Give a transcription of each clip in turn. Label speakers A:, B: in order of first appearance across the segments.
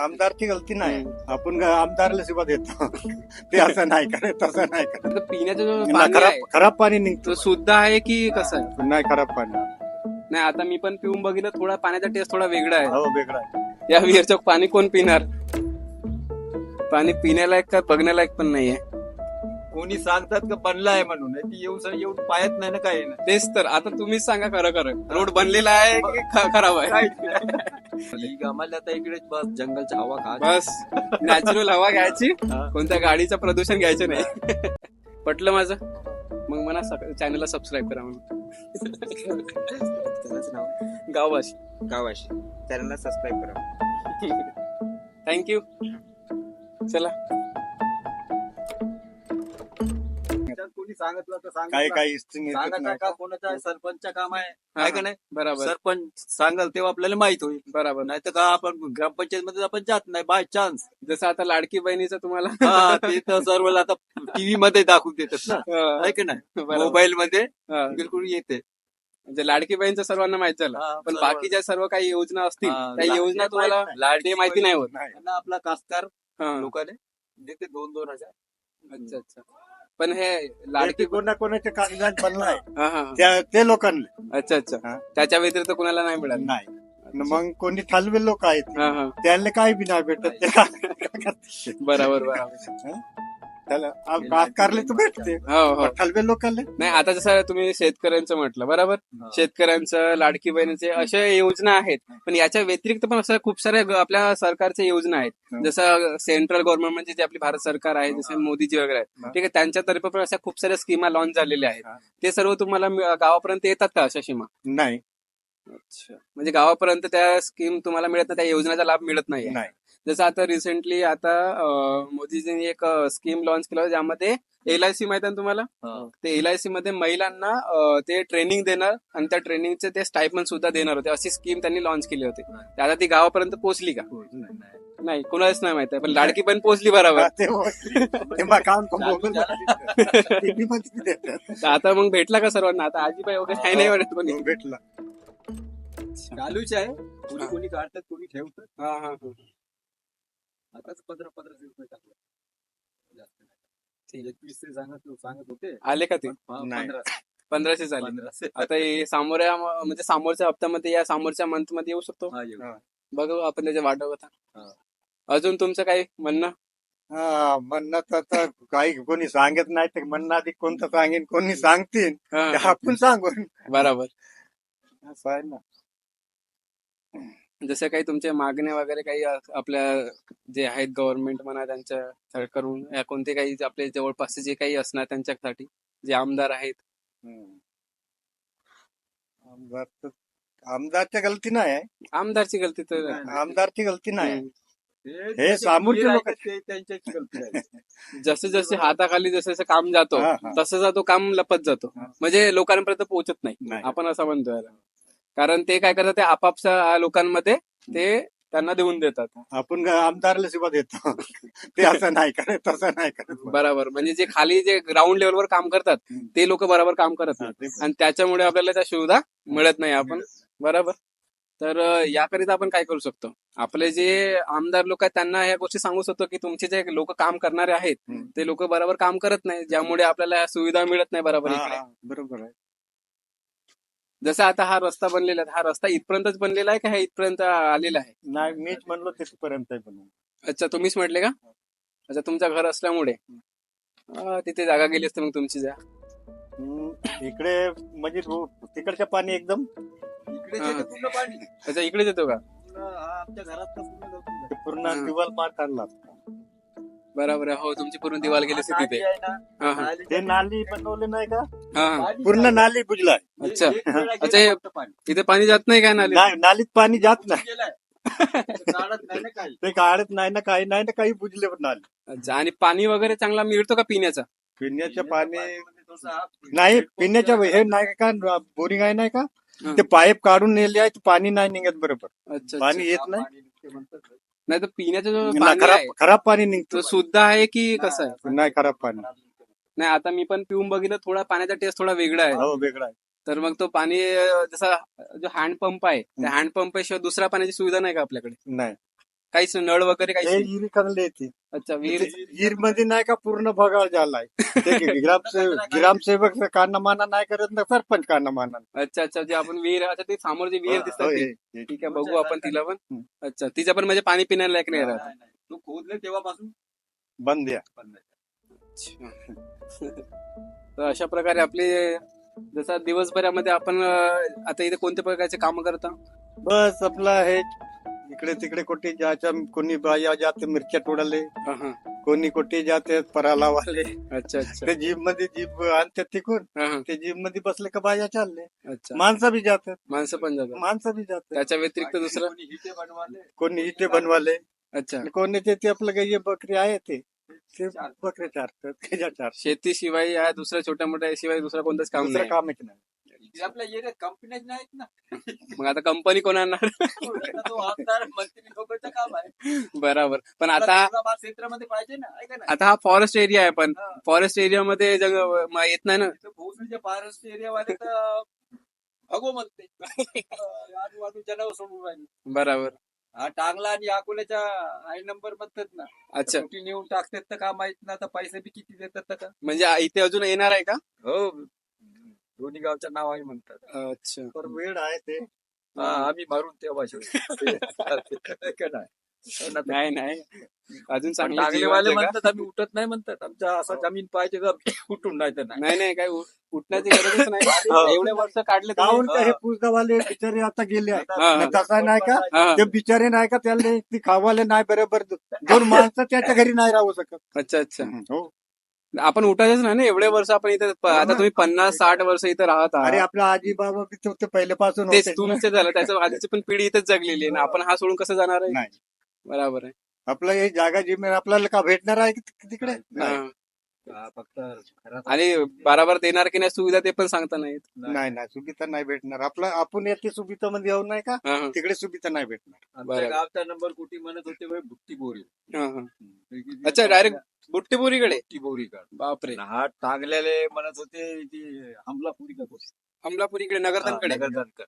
A: आमदारची गलती नाही. आपण आमदारला सेवा देतो. ते असं नाही करत, तसं नाही करत.
B: आता पिण्याचं जो
A: ना
B: पाणी
A: खराब
B: आहे
A: खराब पाणी निघतो.
B: तो शुद्ध आहे की कसं आहे?
A: नाही खराब पाणी.
B: नाही आता मी पण पिऊन बघितलं, थोडा पाण्याचा टेस्ट थोडा वेगळा आहे.
A: हो वेगळा आहे.
B: या विहीरचं पाणी कोण पिणार? पाणी पिण्यालायक का बघण्यालायक पण नाहीये.
C: कोणी सांगतात का बनला आहे म्हणून ती येऊन पाहत नाही ना काही नाही.
B: तेच तर आता तुम्हीच सांगा खरं खरं, रोड बनलेला आहे की खराब आहे?
C: ही आम्हाला आता इकडेच बस जंगलची हवा खा.
B: बस नॅचरल हवा घ्यायची,
C: हा.
B: कोणत्या गाडीचं प्रदूषण घ्यायचं नाही. पटलं माझं? मग मला चॅनलला सबस्क्राईब करा म्हणून.
C: त्यालाच नाव
B: गाववाशी
C: गावाशी चॅनलला सबस्क्राईब करा.
B: थँक्यू. चला
C: कोणी सांगितलं तर
A: काही काही
C: सांगा काका कोणाचा सरपंच काम आहे
B: हा,
C: काय का नाही.
B: बरोबर
C: सरपंच सांगाल तेव्हा आपल्याला माहित होईल.
B: बरोबर.
C: नाही तर का आपण ग्रामपंचायत मध्ये आपण जात नाही बाय चान्स.
B: जसं आता लाडकी बहिणीचं तुम्हाला
C: ते तर सर्व आता टीव्ही मध्ये दाखवून देतात ना.
B: हा,
C: आहे की नाही.
B: बरोबर.
C: मोबाईल मध्ये
B: हा.
C: बिलकुल येते.
B: म्हणजे लाडकी बहिणीचं सर्वांना माहित झालं,
C: हा,
B: पण
C: सर्व.
B: बाकीच्या सर्व काही योजना असतील
C: हा,
B: त्या योजना तुम्हाला
C: लाडकी
B: ते माहिती नाही होत.
A: नाही.
C: त्यांना आपला कास्तकार
B: हा.
C: लोकांनी देते 2,000
B: अच्छा अच्छा. पण हे
A: लाडकी
B: लाडकी
A: कोणाच्या कागदात बनला आहे
B: हा हा
A: ते लोकांना
B: अच्छा अच्छा.
A: हा.
B: त्याच्या व्यतिरिक्त कुणाला नाही मिळालं?
A: नाही. न मग कोणी थालवे लोक आहेत
B: हा हा
A: त्यांना काही बी नाही भेटत. ते काय करते?
B: बरोबर बरोबर.
A: त्याला कारले तर भेटते.
B: हो हो.
A: थालवे लोकांना
B: नाही आता जसं तुम्ही शेतकऱ्यांचं म्हटलं बरोबर, शेतकऱ्यांचं लाडकी बहिणीचे अशा योजना आहेत, पण याच्या व्यतिरिक्त पण असं खूप साऱ्या आपल्या सरकारच्या योजना आहेत. जसं सेंट्रल गव्हर्नमेंट म्हणजे जे आपली भारत सरकार आहे, जसं मोदीजी वगैरे आहेत, ठीक आहे, त्यांच्यातर्फे पण अशा खूप साऱ्या स्कीमा लॉन्च झालेल्या आहेत. ते सर्व तुम्हाला गावापर्यंत येतात का अशा सीमा?
A: नाही.
B: अच्छा. म्हणजे गावापर्यंत त्या स्कीम तुम्हाला मिळत नाही, त्या योजनेचा लाभ मिळत नाही.
A: नाही.
B: जसं आता रिसेंटली आता मोदीजींनी एक स्कीम लॉन्च केलं होतं, ज्यामध्ये LIC माहिती आहे ना तुम्हाला? ते LIC मध्ये महिलांना ते ट्रेनिंग देणार आणि त्या ट्रेनिंगचे ते स्टायपंड सुद्धा देणार होते. अशी स्कीम त्यांनी लॉन्च केली होती. तर आता ती गावापर्यंत पोहोचली का? नाही, कुणालाच नाही माहिती आहे, पण लाडकी पण पोहोचली बरोबर. तर आता मग भेटला का सर्वांना? आता आजीबाई वगैरे काही नाही वाटत कोणी?
A: भेटला.
C: चालूच आहे. कोणी कोणी काढतात कोणी ठेवतात.
B: हा हा हा.
C: आताच 1500 रुपये टाकले. जास्त नाही. 21 सांगत होते.
B: आले का ते?
A: नाही.
B: 1500 झाले.
C: 1500.
B: आता हे म्हणजे समोरच्या हप्त्यामध्ये या समोरच्या मंथ मध्ये येऊ शकतो.
C: हा, येऊ.
B: बघू आपण त्याच्या वाट बघत आहोत.
C: हा.
B: अजून तुमचं काही म्हणणं?
A: म्हणणं तर काही कोणी सांगत नाही तर म्हणणं आधी कोणतं सांगेन कोणी सांगतील
B: हा,
A: ते आपण सांगू.
B: बरोबर.
A: असं आहे ना.
B: जसं काही तुमच्या मागण्या वगैरे काही आपल्या जे आहेत गव्हर्नमेंट म्हणा त्यांच्या करून या कोणते काही आपले जवळपास जे काही असणार त्यांच्यासाठी जे आमदार आहेत.
A: आमदारच्या गलती नाही आहे.
B: आमदारची गलती तर
A: आमदारची गलती नाही.
B: हम्म.
C: हे
A: समोरचे लोक
C: त्यांच्याची गलती आहे.
B: जसे जसे हाताखाली जसं जसं काम जातो
A: हा, हा.
B: तसं तो काम लपत जातो,
A: हा.
B: म्हणजे लोकांपर्यंत पोहोचत नाही.
A: नाही.
B: आपण असं म्हणतोय याला. कारण ते काय करतात, ते आपापच्या लोकांमध्ये ते त्यांना देऊन देतात.
A: आपण आमदारला सेवा देतो. ते असं नाही करत, तसं नाही करत.
B: बरोबर. म्हणजे जे खाली जे ग्राउंड लेवलवर काम करतात ते लोक बरोबर काम करत नाही, आणि त्याच्यामुळे आपल्याला त्या सुविधा मिळत नाही. आपण बरोबर. तर याकरिता आपण काय करू शकतो? आपले जे आमदार लोक आहेत त्यांना ह्या गोष्टी सांगू शकतो की तुमचे जे लोक काम करणारे आहेत ते लोक बरोबर काम करत नाही, ज्यामुळे आपल्याला ह्या सुविधा मिळत नाही बरोबर इकडे.
A: बरोबर आहे.
B: जसं आता हा रस्ता बनलेला आहे, हा रस्ता इथपर्यंतच बनलेला आहे का हे इथपर्यंत आलेला आहे?
A: नाही, मीच म्हणलो तिथपर्यंत बनवून.
B: अच्छा, तुम्हीच म्हटले का? अच्छा, तुमचं घर असल्यामुळे तिथे जागा गेली असते मग तुमची जा.
A: इकडे म्हणजे तिकडचं पाणी एकदम
C: इकडे
B: हा.
C: जे पूर्ण पाणी
B: अच्छा, इकडेच येतो का?
C: आमच्या घरात
A: पूर्ण दिवाल मार काढला.
B: बरोबर आहे. हो, तुमची पूर्ण दिवाल गेली असते तिथे. हा हा
A: ते नाली बनवले नाही का,
B: हा हा.
A: पूर्ण नाली बुजलाय.
B: अच्छा. अच्छा, इथे पाणी जात नाही काय नाली?
A: नाही, नालीत पाणी जात नाही.
C: काढत नाही ना काही.
A: ते काढत नाही ना, काही नाही ना, काही बुजले पण नाली.
B: अच्छा. आणि पाणी वगैरे चांगला मिळतो का पिण्याचा?
A: पिण्याचं पाणी नाही, पिण्याचं हे नाही का, बोरिंग आहे नाही का,
B: हा.
A: ते पाईप काढून नेले आहे, पाणी नाही निघत बरोबर.
B: अच्छा
A: पाणी
B: अच्छा.
A: येत नाही.
B: नाही तर पिण्याचं जो
A: ना
B: पाणी आहे
A: खराब पाणी निघतो.
B: तो शुद्ध आहे की कसं आहे?
A: नाही, खराब पाणी.
B: नाही आता मी पण पिऊन बघितलं, थोडा पाण्याचा टेस्ट थोडा वेगळा आहे.
A: हो, वेगळा आहे.
B: तर मग तो पाणी जसा जो हँडपंप आहे त्या हँडपंप शिवाय दुसऱ्या पाण्याची सुविधा नाही का आपल्याकडे?
A: नाही.
B: काहीच नळ वगैरे
A: हे
B: काहीच नाही.
A: विहिरी खाल्ली येते
B: अच्छा विहीर.
A: विहीर मध्ये नाही का पूर्ण भगाळ झालाय ते ग्रामसेवक कानामाना नाही करत ना सरपंच कानामाना
B: अच्छा अच्छा जे आपण विहीर अच्छा ते समोर जी विहीर दिसतात ती. ठीक आहे बघू आपण तिला पण. अच्छा तिचं पण म्हणजे पाणी पिण्याला लायक नाही राहत.
C: तू खोदले तेव्हापासून
A: बंद द्या
C: बंद आहे.
B: तर अशा प्रकारे आपले जसा दिवसभरामध्ये आपण आता इथे कोणत्या प्रकारचे काम करता.
A: बस आपला हे इकडे तिकडे कुठे जायच्या कोणी बाया जाते मिरच्या तोडाले
B: हा, हा.
A: कोणी कुठे जाते पराला वाले
B: अच्छा अच्छा
A: ते जीप मध्ये जीप आणतात तिकून
B: हा, हा.
A: ते जीप मध्ये बसले का बाया चालले
B: अच्छा
A: माणसं बी जातात
B: माणसं पण जातात.
A: माणसं बी जातात
B: त्याच्या व्यतिरिक्त दुसरं.
C: कोणी हिटे बनवाले
A: कोणी इथे बनवाले
B: अच्छा
A: कोणी ते आपलं गाई बकरी आहे ते बकरे चारतात त्याच्या चार
B: शेतीशिवाय या दुसऱ्या छोट्या मोठ्या शिवाय दुसरं कोणतंच काम
A: दुसरं
B: नाही.
A: कामच नाही
C: इथे आपल्या एरियात कंपन्याच नाहीत ना.
B: मग आता कंपनी कोण आणणार.
C: तो आमदार मंत्री लोकांचं काम आहे.
B: बरोबर पण आता
C: औरंगाबाद क्षेत्रामध्ये पाहिजे ना ऐका ना.
B: आता हा फॉरेस्ट एरिया आहे पण फॉरेस्ट एरियामध्ये येत नाही ना.
C: इथं भोसरीच्या फॉरेस्ट एरियावाले तर भगो म्हणते आजूबाजू जनावर सोडून राहिले.
B: बरोबर.
C: हा टांगला आणि अकोल्याच्या आय नंबर म्हणतात ना.
B: अच्छा
C: कुठे नेऊन टाकतात तर का माहित ना. आता पैसे बी किती देतात तर का.
B: म्हणजे इथे अजून येणार आहे का.
C: हो दोन्ही गावच्या नाव आहे म्हणतात.
B: अच्छा
A: तर वेळ आहे ते
C: हा आम्ही मारून तेव्हा
B: नाही नाही अजून चांगलं जीवन
C: टांगलेवाले
B: जगा.
C: म्हणतात आम्ही उठत नाही म्हणतात. आमच्या असा जमीन पाहिजे का उठून नाही तर नाही.
B: नाही नाही काही उठण्याची गरजच नाही. एवढे वर्ष काढले तुम्ही.
A: काहून का हे पुसगावाले बिचारे आता गेले आहे
B: हा, हा.
A: तसा नाही का
B: हा.
A: ते बिचारे नाही का त्याला ती खावाले नाही बरोबर दोन माणसं त्याच्या घरी नाही राहू शकत
B: अच्छा अच्छा
A: हो
B: आपण उठायचंच नाही ना एवढे वर्ष आपण इथे आता तुम्ही 50-60 वर्ष इथे राहत
A: अरे
B: आहात.
A: आपला आजी बाबा बी ते पहिल्यापासून
B: तेच
A: होते
B: तुमचे झालं त्याच्या आधीची पण पिढी इथेच जगलेली आहे ना. आपण हा सोडून कसं जाणार आहे.
A: नाही
B: बरोबर आहे.
A: आपलं हे जागा जमीन आपल्याला का भेटणार आहे तिकडे नाही
B: हा.
C: फक्त घरात
B: आणि बराबर देणार की नाही सुविधा ते पण सांगता नाहीत.
A: नाही सुविधा नाही भेटणार आपला आपण येते सुविधा मध्ये येऊ नाही का
B: हा, हा.
A: तिकडे सुविधा नाही भेटणार
C: आमच्या
B: बरं.
C: गावचा नंबर कुठे म्हणत होते बुट्टी बोरी.
B: हा, हा. अच्छा डायरेक्ट बुट्टीपुरीकडे.
C: बुट्टी बोरी का.
B: बापरे.
C: हा टांगलेले म्हणत होते ती हमलापुरी का कोण.
B: अमलापुरीकडे नगरधनकडे.
C: नगरधनकर.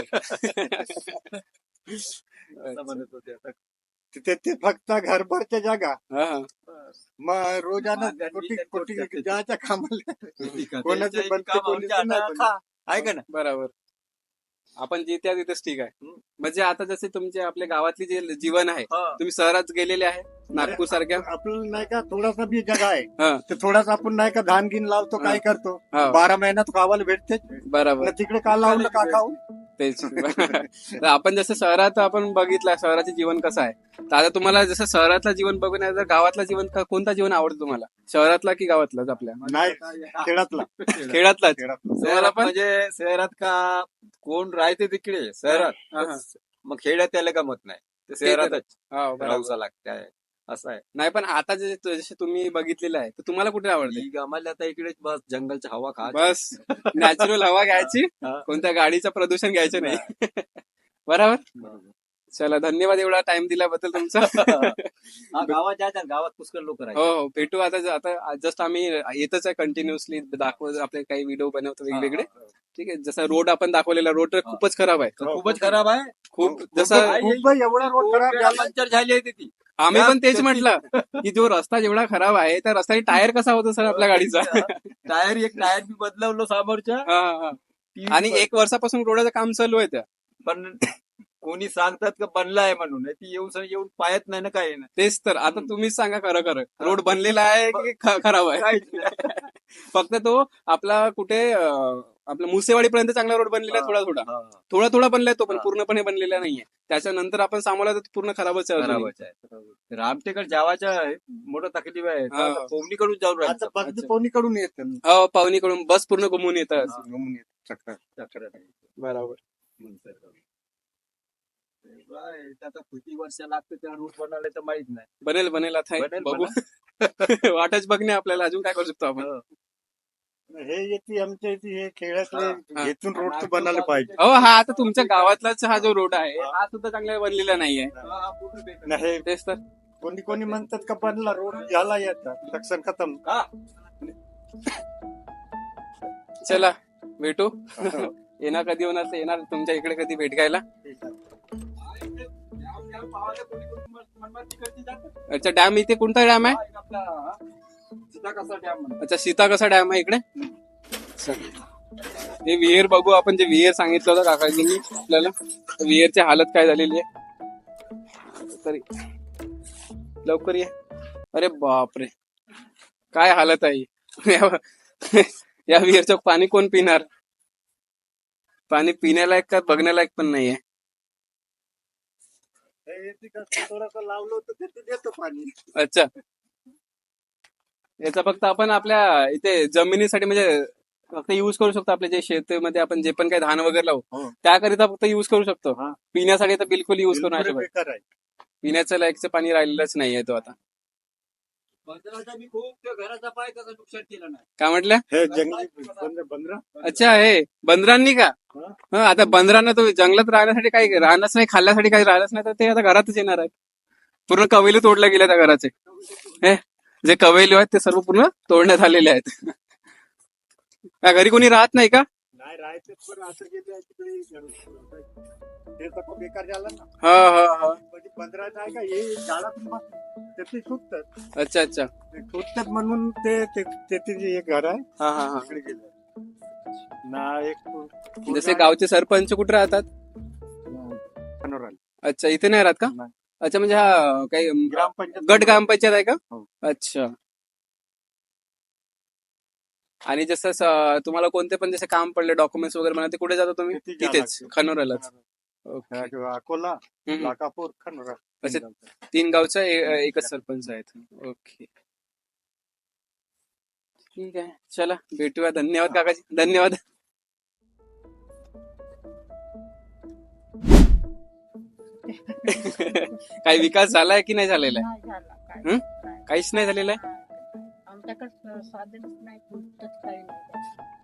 B: बर.
C: असं म्हणत होते. आता
A: तिथे ते फक्त घरभरच्या जागा
B: हा, हा.
A: मग रोजानं
C: मागांनी
A: कोटी
C: त्यांच्यावर करते.
A: जायच्या कामाला
C: कोणाचे
A: कोणाचे बनते कोणाचे नाही बनते.
C: ऐका ना.
B: बरोबर. आपण जिथे आहे तिथेच ठीक आहे. म्हणजे आता जसे तुमचे आपल्या गावातली जे जीवन आहे तुम्ही शहरात गेलेले आहे नागपूर सारख्या.
A: आपल्याला नाही का थोडासा बी जागा आहे
B: हा.
A: तर थोडासा आपण नाही का धान गिन लावतो काय करतो
B: हा.
A: 12 महिन्यात खावायला भेटते
B: बरोबर
A: तिकडे का लावलं का खाऊ
B: तेच. तर आपण जसं शहरात आपण बघितलं शहराचे जीवन कसं आहे. तर आता तुम्हाला जसं शहरातलं जीवन बघून आहे, तर गावातलं जीवन कोणता जीवन आवडतं तुम्हाला शहरातला की गावातलाच आपल्या.
A: नाही खेळातला
B: खेळातलाच.
C: शहरात म्हणजे शहरात का कोण राहते तिकडे
B: हा, हा.
C: शहरात मग खेड्यात त्याला गमत नाही. ते शहरातच
B: हा, बरोबर.
C: राहूसा लागते असं आहे.
B: नाही पण आता जसे तुम्ही बघितलेलं आहे तर तुम्हाला कुठे आवडते.
C: ही आम्हाला आता इकडे बस जंगलची हवा खा.
B: बस नॅचरल हवा घ्यायची
C: हा.
B: कोणत्या गाडीचं प्रदूषण घ्यायचं नाही. बरोबर. चला धन्यवाद एवढा टाइम दिल्याबद्दल तुमचा.
C: गावात जायचं गावात पुष्कळ लोक
B: हो
C: राहतात.
B: हो भेटू आता जस्ट आम्ही येतच आहे कंटिन्युअसली दाखवत आपले काही व्हिडिओ बनवतो वेगवेगळे. ठीक आहे जसा रोड आपण दाखवलेला रोड तर खूपच खराब आहे.
C: खूपच खराब आहे.
B: खूप जसं
A: खूप एवढा रोड खराब झाला
C: पंक्चर झाली आहे ती.
B: आम्ही पण तेच म्हटलं की जो रस्ता जेवढा खराब आहे त्या रस्त्याने टायर कसा होता सर आपल्या गाडीचा.
C: टायर एक टायर बी बदलवलं समोरच्या.
B: हा, हा. आणि 1 वर्षापासून रोडाचं काम चालू आहे त्या.
C: पण कोणी सांगतात का बनला आहे म्हणून ती येऊन पाहत नाही ना काय ना.
B: तेच तर आता तुम्हीच सांगा खरं रोड बनलेला आहे की खराब आहे.
C: काहीच नाही.
B: फक्त तो आपला कुठे आपला मुसेवाडीपर्यंत चांगला रोड बनलेला आहे. थोडा बनलाय तो पण पूर्णपणे बनलेला नाहीये. त्याच्यानंतर आपण सामावला तर पूर्ण खराबच आहे अजूनही.
C: खराबच आहे. रामटेकड जावाच्या मोठं तकलीफ आहे.
B: हा.
C: कोवणीकडून जाऊन
A: आता
C: राहायचं.
A: बस कोणीकडून येत
B: हो पाहुणीकडून बस पूर्ण घुमून येतात. बरोबर.
C: आता किती वर्ष लागतं त्या रूट बनायला तर माहित नाही.
B: बनेल आता
C: बनेल
B: बघू. वाटच बघणे आपल्याला अजून काय करू शकतो आपण.
A: हे येते आमच्या इथे हे खेळातले
B: हा.
A: इथून रोड तर बनायला पाहिजे.
B: हो हा आता तुमच्या गावातलाच हा जो रोड आहे हा सुद्धा चांगला बनलेला नाहीये.
A: नाही
B: तेच तर.
A: कोणी म्हणतात का बनला रोड झाला याचा सक्सन खतम.
B: चला भेटू. येणार कधी होणार तर येणार तुमच्या इकडे कधी भेट घ्यायला.
C: मनमाड तिकडची जातात.
B: अच्छा, डॅम इथे कोणता डॅम आहे?
C: हा, एक आपला सीताकसा डॅम म्हणतात.
B: अच्छा, सीता कसा डॅम आहे इकडे. हे विहीर बघू आपण, जे विहीर सांगितलं होतं काकाजींनी आपल्याला, विहीरची हालत काय झालेली आहे. तरी लवकर ये. अरे बापरे, काय हालत आहे. या विहीरचं पाणी कोण पिणार? पाणी पिण्यालायक का बघण्यालायक पण नाहीये.
A: हे थोडंसं लावलं होतं ते देतो पाणी.
B: अच्छा, याचा फक्त आपण आपल्या इथे जमिनीसाठी म्हणजे फक्त युज करू शकतो. आपल्या जे शेतीमध्ये आपण जे पण काही धान वगैरे लावू
A: हो.
B: त्याकरिता फक्त युज करू शकतो.
A: हा.
B: पिण्यासाठी तर बिलकुल युज करू नाही
A: बिलकुल
B: शकत.
A: बेकार आहे.
B: पिण्याचं लायकचं पाणी राहिलेलंच नाहीये तो आता.
C: बंदराचा मी खूप त्या घराचा पाय त्याचं नुकसान केलं नाही.
B: काय म्हटलं?
A: हे जंगली बंदर
B: अच्छा, हे बंदरांनी का?
A: हा.
B: हं, आता बंदरांना तो जंगलात राहण्यासाठी काही राहणंच नाही, खाल्ल्यासाठी काही राहिलंच नाही, तर ते आता घरातच येणार आहेत. पूर्ण कवेली तोडल्या गेल्या त्या घराचे. हे जे कवेली आहेत ते सर्व पूर्ण तोडण्यात आलेले आहेत. त्या घरी कोणी राहत नाही का?
A: नाही राहायचं, पण असं गेलं तिकडे ते तर बेकार झालं ना.
B: हा हा हा.
A: म्हणजे 15 नाही का हे झाडातून ते सुटतात.
B: अच्छा अच्छा.
A: ते सुटतात म्हणून ते जे एक घर आहे
B: हा हा हा.
A: तिकडे गेलं ना. एक
B: जसे गावचे सरपंच कुठे राहतात?
A: खनोराला.
B: अच्छा, इथे नाही राहत का?
A: नाही.
B: अच्छा, म्हणजे हा काही
A: ग्रामपंचायत
B: गट ग्रामपंचायत आहे का?
A: हो.
B: अच्छा. आणि जसं तुम्हाला कोणते पण जसे काम पडले, डॉक्युमेंट्स वगैरे म्हणा, ते कुठे जाता तुम्ही?
A: तिथे जावं
B: तिथेच
A: लागतं.
B: खनोरालाच. ओके.
A: अकोला,
B: हम्म.
A: लाकापूर, खनोरा.
B: अच्छा, 3 गावचा एकच सरपंच आहेत. ओके, ठीक आहे. चला, भेटूया. धन्यवाद काकाजी, धन्यवाद. काही विकास झालाय की नाही झालेला आहे?
D: नाही झाला काय.
B: हं?
D: नाही.
B: काहीच नाही झालेलं आहे.
D: आमच्याकडे साधनच नाही, पुढचंच काही नाही.